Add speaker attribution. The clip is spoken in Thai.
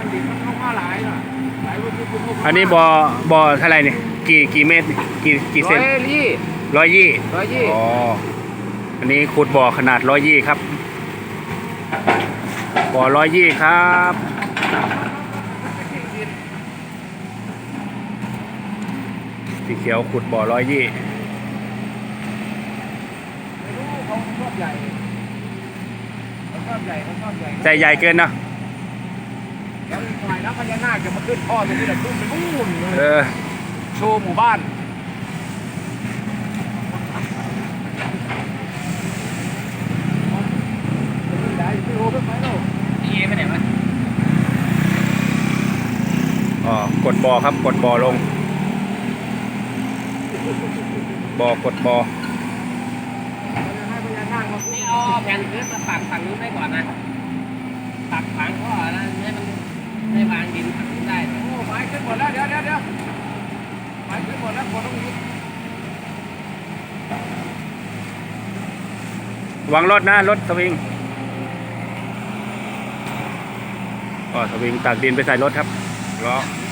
Speaker 1: ดินมันลงมาหลายน่ะหลายวันที่คุณ
Speaker 2: อันนี้บ่อเท่าไหร่เนี่ยกี่เมตรกี่เซน120
Speaker 1: 120
Speaker 2: อ๋ออันนี้ขุดบ่อขนาด120ครับบ่อ120ครับสีเขียวขุดบ่อ120
Speaker 1: ไม่รู้เขาชอบใหญ่เขาชอบใหญ่เขาชอบใหญ่
Speaker 2: ใจใหญ่เกินเนาะ
Speaker 1: แล้วอีกหน่อยนะพญานาคจะมาขึ้นท่อตรงนี้แหละขึ้นไปนู่นเลย โชว์หมู่บ้านได้พี่โอ้ไปไหนลูกพี่เอไปไหนวะ
Speaker 2: อ๋อกดบ่อครับกดบ่อลงบ่อกดบ่อ
Speaker 1: นี่เอาแผ่นพื้นมาปักฝั่งนู้นได้ก่อนนะปักฝังก็นะให้วางดินฝั่งนู้นได้โอ้ไม้ขึ้นหมดแล้วเดี๋ยวไม้ขึ้นหมดแล้วคนต้องยุบ
Speaker 2: วางรถนะรถสวิงก็สวิงตักดินไปใส่รถครับล้อ